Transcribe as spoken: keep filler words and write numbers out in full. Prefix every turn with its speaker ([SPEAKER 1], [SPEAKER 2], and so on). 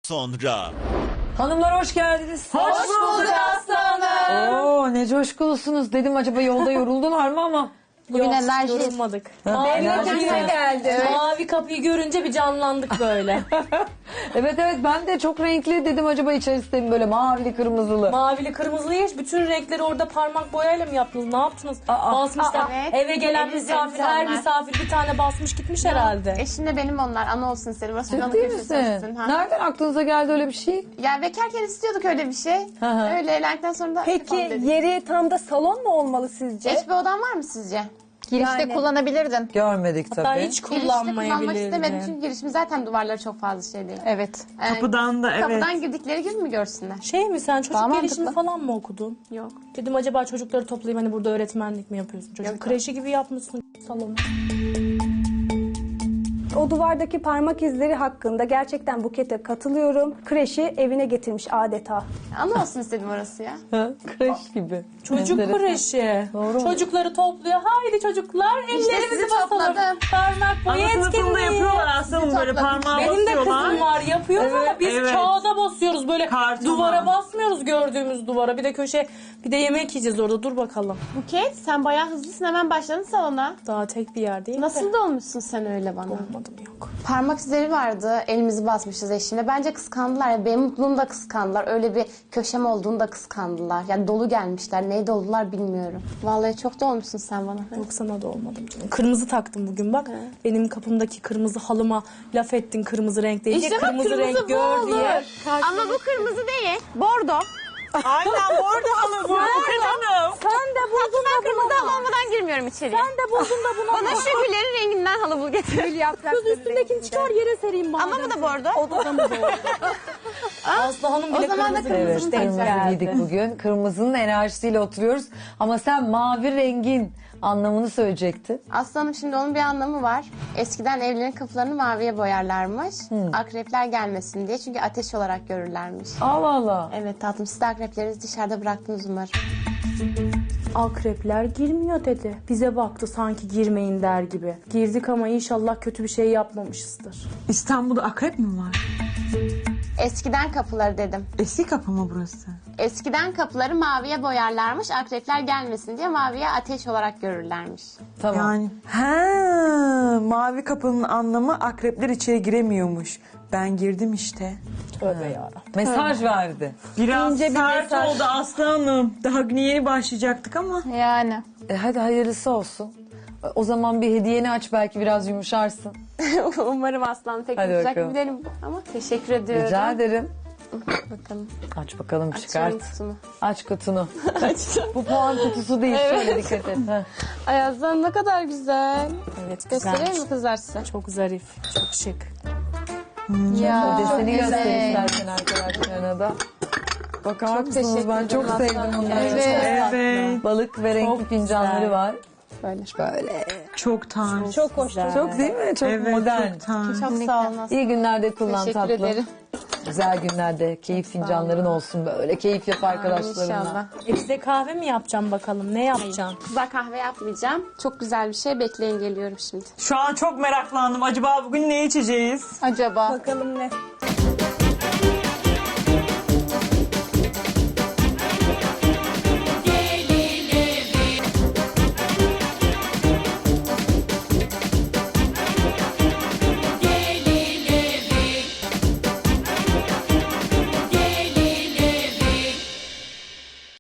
[SPEAKER 1] sonra.
[SPEAKER 2] Hanımlar hoş geldiniz.
[SPEAKER 3] Hoş bulduk aslanım.
[SPEAKER 2] Oo ne coşkulusunuz. Dedim acaba yolda yoruldular mı ama.
[SPEAKER 3] Bugün
[SPEAKER 4] Yok,
[SPEAKER 3] enerji
[SPEAKER 4] yorulmadık.
[SPEAKER 2] Ha,
[SPEAKER 4] Mavi
[SPEAKER 2] enerji
[SPEAKER 4] kapıya
[SPEAKER 2] var.
[SPEAKER 4] geldi. Mavi kapıyı görünce bir canlandık böyle.
[SPEAKER 2] Evet evet ben de çok renkli dedim acaba içerisinde mi böyle mavili kırmızılı.
[SPEAKER 4] Mavili kırmızılı hiç bütün renkleri orada parmak boyayla mı yaptınız? Ne yaptınız?
[SPEAKER 2] Aa,
[SPEAKER 4] Basmışlar.
[SPEAKER 3] aa, evet.
[SPEAKER 4] Eve gelen
[SPEAKER 3] Elimiz
[SPEAKER 4] misafir,
[SPEAKER 3] elimiz
[SPEAKER 4] her
[SPEAKER 3] onlar.
[SPEAKER 4] misafir bir tane basmış gitmiş herhalde.
[SPEAKER 3] Eşimle benim onlar. Ana olsun istedim. Burası
[SPEAKER 2] Ciddi
[SPEAKER 3] ana köşesi
[SPEAKER 2] misin?
[SPEAKER 3] olsun. Ha.
[SPEAKER 2] Nereden aklınıza geldi öyle bir şey?
[SPEAKER 3] Ya bekarken istiyorduk öyle bir şey.
[SPEAKER 2] Hı hı.
[SPEAKER 3] Öyle evlendikten sonra da
[SPEAKER 5] Peki
[SPEAKER 3] yapalım dedik.
[SPEAKER 5] yeri tam da salon mu olmalı sizce?
[SPEAKER 3] Eş bir odan var mı sizce?
[SPEAKER 5] Girişte
[SPEAKER 3] Yani-
[SPEAKER 5] kullanabilirdin.
[SPEAKER 2] Görmedik
[SPEAKER 4] Hatta
[SPEAKER 2] tabii.
[SPEAKER 4] hiç
[SPEAKER 3] Girişte kullanmak istemedim
[SPEAKER 4] kullanmayabilirdin.
[SPEAKER 3] çünkü girişim zaten duvarları çok fazla şey değil.
[SPEAKER 5] Evet.
[SPEAKER 3] Yani
[SPEAKER 6] Kapıdan da evet.
[SPEAKER 3] Kapıdan girdikleri gibi mi görsünler?
[SPEAKER 4] Şey mi sen çocuk
[SPEAKER 5] Daha
[SPEAKER 4] gelişimi
[SPEAKER 5] mantıklı.
[SPEAKER 4] falan mı okudun?
[SPEAKER 3] Yok.
[SPEAKER 4] Dedim acaba çocukları toplayıp hani burada öğretmenlik mi yapıyorsun? Çocuk
[SPEAKER 3] Yok.
[SPEAKER 4] kreşi gibi yapmışsın salonu.
[SPEAKER 7] O duvardaki parmak izleri hakkında gerçekten Buket'e katılıyorum. Kreşi evine getirmiş adeta.
[SPEAKER 3] Ana olsun istedim orası ya.
[SPEAKER 2] Ha, kreş gibi.
[SPEAKER 4] Çocuk
[SPEAKER 2] Enteresan.
[SPEAKER 4] kreşi.
[SPEAKER 2] Doğru mu?
[SPEAKER 4] Çocukları topluyor. Haydi çocuklar ellerimizi
[SPEAKER 3] sizi
[SPEAKER 4] basalım.
[SPEAKER 3] topladım.
[SPEAKER 4] Parmak boyu
[SPEAKER 6] Ana sınıfında
[SPEAKER 4] etkinliği.
[SPEAKER 6] yapıyorlar aslında böyle parmağı
[SPEAKER 4] Benim de
[SPEAKER 6] basıyorlar.
[SPEAKER 4] kızım var yapıyoruz ama biz
[SPEAKER 6] evet.
[SPEAKER 4] kağıda basıyoruz böyle
[SPEAKER 6] Kartona.
[SPEAKER 4] duvara basmıyoruz gördüğümüz duvara. Bir de köşe bir de yemek yiyeceğiz orada dur bakalım.
[SPEAKER 3] Buket sen bayağı hızlısın hemen başladın salona.
[SPEAKER 4] Daha tek bir yer değil mi?
[SPEAKER 3] Nasıl da olmuşsun sen öyle bana?
[SPEAKER 4] Olmadım yok.
[SPEAKER 3] Parmak izleri vardı. Elimizi basmışız eşimle. Bence kıskandılar. Ya. Benim mutluluğumu da kıskandılar. Öyle bir köşem olduğunu da kıskandılar. Yani dolu gelmişler. Neydi oldular bilmiyorum. Vallahi çok da olmuşsun sen bana.
[SPEAKER 4] Yok sana da olmadım canım. Kırmızı taktım bugün bak. Benim kapımdaki kırmızı halıma laf ettin kırmızı renk değil diye.
[SPEAKER 3] bak,
[SPEAKER 4] Kırmızı renk
[SPEAKER 3] bu
[SPEAKER 4] gör
[SPEAKER 3] olur.
[SPEAKER 4] diye.
[SPEAKER 3] Ama bu kırmızı değil. Bordo.
[SPEAKER 6] Aynen orada halı bu. Buket Hanım.
[SPEAKER 3] Sen de buldun da kırmızı halı olmadan girmiyorum içeri.
[SPEAKER 4] Sen de buldun da bunu.
[SPEAKER 3] Bana şu güllerin renginden halı bul getir.
[SPEAKER 4] Kız üstündekini çıkar yere sereyim bari.
[SPEAKER 3] Ama bu da bordo.
[SPEAKER 4] O da mı doğru? Aslı Hanım bile
[SPEAKER 3] O zaman da
[SPEAKER 4] kırmızı
[SPEAKER 3] kırmızı
[SPEAKER 2] Evet
[SPEAKER 3] Kırmızı
[SPEAKER 2] kırmızı
[SPEAKER 3] geldi.
[SPEAKER 2] giydik bugün. Kırmızının enerjisiyle oturuyoruz. Ama sen mavi rengin anlamını söyleyecektin.
[SPEAKER 3] Aslanım şimdi onun bir anlamı var. Eskiden evlerin kapılarını maviye boyarlarmış. Akrepler gelmesin diye. Çünkü ateş olarak görürlermiş.
[SPEAKER 2] Allah Allah.
[SPEAKER 3] Evet tatlım siz de akreplerinizi dışarıda bıraktınız umarım.
[SPEAKER 4] Akrepler girmiyor dedi. Bize baktı sanki girmeyin der gibi. Girdik ama inşallah kötü bir şey yapmamışızdır.
[SPEAKER 6] İstanbul'da akrep mi var?
[SPEAKER 3] Eskiden kapıları dedim.
[SPEAKER 6] Eski kapı mı burası?
[SPEAKER 3] Eskiden kapıları maviye boyarlarmış. Akrepler gelmesin diye maviye ateş olarak görürlermiş.
[SPEAKER 2] Tamam.
[SPEAKER 6] Yani ha mavi kapının anlamı akrepler içeri giremiyormuş. Ben girdim işte.
[SPEAKER 4] Tövbe yarabbim.
[SPEAKER 2] Mesaj verdi.
[SPEAKER 6] Biraz
[SPEAKER 5] İnce bir
[SPEAKER 6] sert
[SPEAKER 5] mesaj.
[SPEAKER 6] oldu Aslı Hanım. Daha günü yeni başlayacaktık ama.
[SPEAKER 5] Yani.
[SPEAKER 2] E, hadi hayırlısı olsun. O zaman bir hediyeni aç belki biraz yumuşarsın.
[SPEAKER 3] Umarım aslan pek
[SPEAKER 2] Hadi
[SPEAKER 3] yapacak
[SPEAKER 2] bakalım.
[SPEAKER 3] bir değilim. Ama teşekkür ediyorum.
[SPEAKER 2] Rica ederim.
[SPEAKER 3] Bakalım.
[SPEAKER 2] Aç bakalım çıkart.
[SPEAKER 3] Açıyorum kutumu.
[SPEAKER 2] Aç kutunu. Bu puan kutusu değil. Şöyle dikkat et. Heh.
[SPEAKER 3] Ay aslan ne kadar güzel.
[SPEAKER 4] Evet
[SPEAKER 3] Göstereyim
[SPEAKER 4] güzelmiş.
[SPEAKER 3] mi kızlar size?
[SPEAKER 4] Çok zarif, çok şık.
[SPEAKER 3] Ya.
[SPEAKER 2] Deseni göster istersen arkadaşlarına da. Bakar mısınız?
[SPEAKER 3] teşekkür
[SPEAKER 2] Ben çok
[SPEAKER 3] ederim
[SPEAKER 2] sevdim
[SPEAKER 3] aslanım.
[SPEAKER 2] bunları.
[SPEAKER 3] Evet.
[SPEAKER 6] Evet.
[SPEAKER 2] Balık ve renkli
[SPEAKER 4] Çok
[SPEAKER 2] fincanları
[SPEAKER 4] güzel.
[SPEAKER 2] var.
[SPEAKER 3] Böyle.
[SPEAKER 2] Böyle.
[SPEAKER 6] Çok tarz.
[SPEAKER 4] Çok hoş.
[SPEAKER 2] Çok değil mi? Çok
[SPEAKER 6] Evet
[SPEAKER 2] modern.
[SPEAKER 6] çok tarz.
[SPEAKER 3] Çok sağ olun aslan.
[SPEAKER 2] İyi günlerde kullan
[SPEAKER 3] Teşekkür
[SPEAKER 2] tatlım.
[SPEAKER 3] ederim.
[SPEAKER 2] Güzel günlerde keyif fincanların olsun böyle. Keyif yap arkadaşlarınla.
[SPEAKER 3] İnşallah.
[SPEAKER 4] E bize kahve mi yapacağım bakalım? Ne yapacağım?
[SPEAKER 3] Kızlar kahve yapmayacağım. Çok güzel bir şey. Bekleyin geliyorum şimdi.
[SPEAKER 6] Şu an çok meraklandım. Acaba bugün ne içeceğiz?
[SPEAKER 3] Acaba?
[SPEAKER 5] Bakalım ne?